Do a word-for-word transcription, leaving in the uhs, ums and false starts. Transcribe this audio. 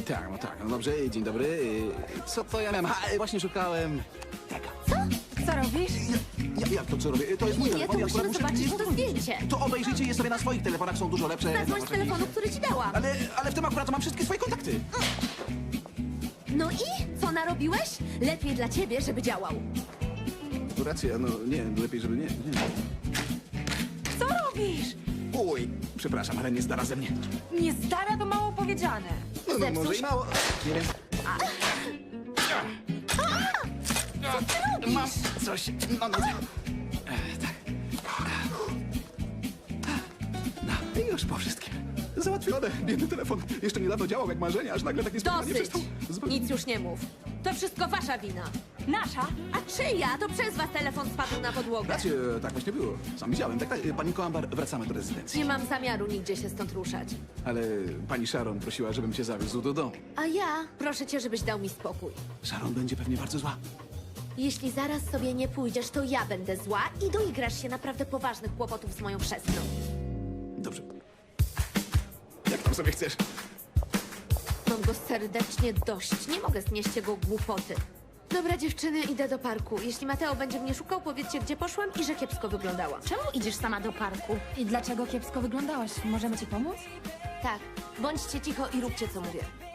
Tak, no tak, no dobrze, dzień dobry. Y, Co to ja miałem? Ha, y, właśnie szukałem... Tego. Co robisz? Ja, jak to co robię? To jest mój Nie, telefon, to ja musimy akurat muszę zobaczyć nie to zapomnieć. zdjęcie. To obejrzyjcie je sobie na swoich telefonach, są dużo lepsze. Zadzwoń z Zobaczcie. telefonu, który ci dałam. Ale, ale w tym akurat mam wszystkie swoje kontakty. No i? Co narobiłeś? Lepiej dla ciebie, żeby działał. To racja, no nie, lepiej, żeby nie, nie. Co robisz? Uj, przepraszam, ale nie zdara ze mnie. Nie stara, to mało powiedziane. No, no Zepsuł może się. i mało. Nie wiem. Co ty robisz? Mam coś na nodze. E, tak. No, i już po wszystkim. Załatwione. Biedny telefon. Jeszcze niedawno działał jak marzenie, aż nagle tak niespodziewanie Dosyć. przestał. Zupełnie- Nic już nie mów. To wszystko wasza wina. Nasza? A czyja? To przez was telefon spadł na podłogę. Rację, tak właśnie było. Sam widziałem. Tak, tak. Pani Koambar, wracamy do rezydencji. Nie mam zamiaru nigdzie się stąd ruszać. Ale pani Sharon prosiła, żebym cię zawiózł do domu. A ja proszę cię, żebyś dał mi spokój. Sharon będzie pewnie bardzo zła. Jeśli zaraz sobie nie pójdziesz, to ja będę zła i doigrasz się naprawdę poważnych kłopotów z moją chrzestną. Dobrze. Jak tam sobie chcesz? Mam go serdecznie dość. Nie mogę znieść jego głupoty. Dobra, dziewczyny, idę do parku. Jeśli Mateo będzie mnie szukał, powiedzcie, gdzie poszłam i że kiepsko wyglądałam. Czemu idziesz sama do parku? I dlaczego kiepsko wyglądałaś? Możemy ci pomóc? Tak, bądźcie cicho i róbcie, co mówię.